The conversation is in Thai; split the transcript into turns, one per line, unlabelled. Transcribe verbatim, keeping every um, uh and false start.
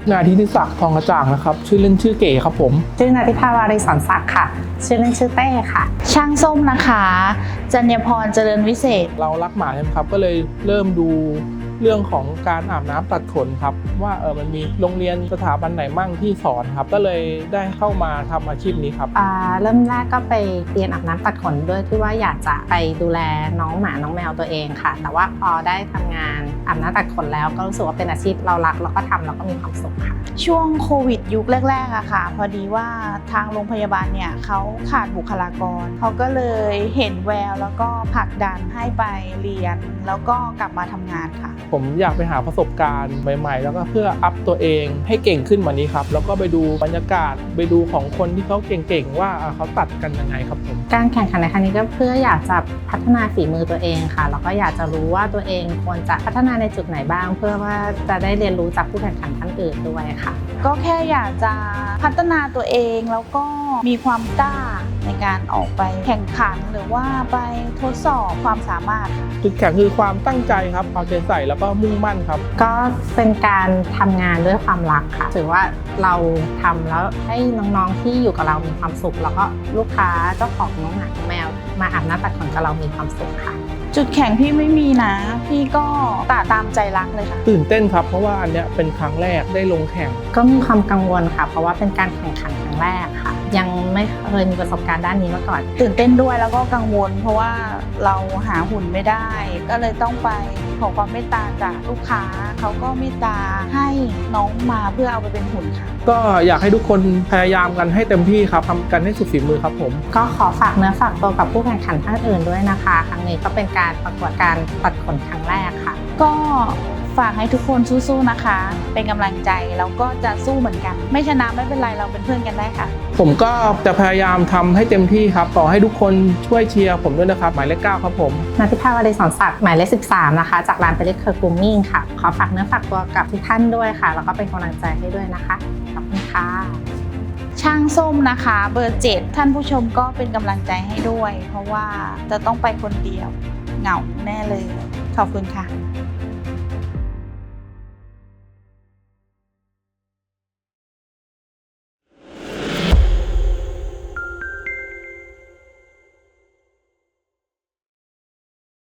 นายธิติศักดิ์ทองกระจ่างนะครับชื่อเล่นชื่อเก๋ครับผม
ชื่อนาทิพาวารีสอนศักดิ์ค่ะชื่อเล่นชื่อเต้ค่ะ
ช่างส้มนะคะจัญญพรเจริญวิเศษ
เรารักหมาใช่ไหมครับก็เลยเริ่มดูเรื่องของการอาบน้ำตัดขนครับว่าเออมันมีโรงเรียนสถาบันไหนมั่งที่สอนครับก็เลยได้เข้ามาทำอาชีพนี้ครับ
อ่าเริ่มแรกก็ไปเรียนอาบน้ำตัดขนด้วยที่ว่าอยากจะไปดูแลน้องหมาน้องแมวตัวเองค่ะแต่ว่าพอได้ทำงานอาบน้ำตัดขนแล้วก็รู้สึกว่าเป็นอาชีพเรารักแล้วก็ทำแล้วก็มีความสุขค่ะ
ช่วงโควิดยุคแรกๆอะค่ะพอดีว่าทางโรงพยาบาลเนี่ยเขาขาดบุคลากรเขาก็เลยเห็นแววแล้วก็ผลักดันให้ไปเรียนแล้วก็กลับมาทำงานค่ะ
ผมอยากไปหาประสบการณ์ใหม่ๆแล้วก็เพื่ออัพตัวเองให้เก่งขึ้นกว่านี้ครับแล้วก็ไปดูบรรยากาศไปดูของคนที่เขาเก่งๆว่าเขาตัดกันยังไงครับผม
การแข่งขันในครั้งนี้ก็เพื่ออยากจะพัฒนาฝีมือตัวเองค่ะแล้วก็อยากจะรู้ว่าตัวเองควรจะพัฒนาในจุดไหนบ้างเพื่อว่าจะได้เรียนรู้จากผู้แข่งขันท่านอื่นด้วยค่ะ
ก็แค่อยากจะพัฒนาตัวเองแล้วก็มีความกล้าในการออกไปแข่งขันหรือว่าไปทดสอบความสามารถ
จุดแข็งคือความตั้งใจครับเอาใจใส่แล้วก็มุ่งมั่นครับ
ก็เป็นการทำงานด้วยความรักค่ะถือว่าเราทำแล้วให้น้องๆที่อยู่กับเรามีความสุขแล้วก็ลูกค้าเจ้าของน้องหมาแมวมาอาบน้ำตัดขนกับเรามีความสุขค่ะ
จุดแข็งพี่ไม่มีนะพี่ก็ตาตามใจรักเลยค่ะ
ตื่นเต้นครับเพราะว่าอันเนี้ยเป็นครั้งแรกได้ลงแข่ง
ก็มีความกังวลค่ะเพราะว่าเป็นการแข่งขันครั้งแรกค่ะยังไม่เคยมีประสบการณ์ด้านนี้มาก่อน
ตื่นเต้นด้วยแล้วก็กังวลเพราะว่าเราหาหุ่นไม่ได้ก็เลยต้องไปขอความเมตตาจากลูกค้าเขาก็เมตตาให้น้องมาเพื่อเอาไปเป็นหุ่นค่ะ
ก็อยากให้ทุกคนพยายามกันให้เต็มที่ครับทำกันให้สุดฝีมือครับผม
ก็ขอฝากเนื้อฝากตัวกับผู้แข่งขันท่านอื่นด้วยนะคะครั้งนี้ก็เป็นการประกวดการตัดขนครั้งแรกค่ะ
ก็ฝากให้ทุกคนสู้ๆนะคะเป็นกำลังใจแล้วก็จะสู้เหมือนกันไม่ชนะไม่เป็นไรเราเป็นเพื่อนกันได้ค่ะ
ผมก็จะพยายามทำให้เต็มที่ครับขอให้ทุกคนช่วยเชียร์ผมด้วยนะครับหมายเลขเก้าครับผม
นาทิพาวารีสอนศักดิ์หมายเลขสิบสามนะคะจากร้านเปริเคอร์กรูมมิ่งค่ะขอฝากเนื้อฝากตัวกับทุกท่านด้วยค่ะแล้วก็เป็นกำลังใจให้ด้วยนะคะขอบคุณค่ะ
ช่างส้มนะคะเบอร์เจ็ดท่านผู้ชมก็เป็นกำลังใจให้ด้วยเพราะว่าจะต้องไปคนเดียวเหงาแน่เลยขอบคุณค่ะ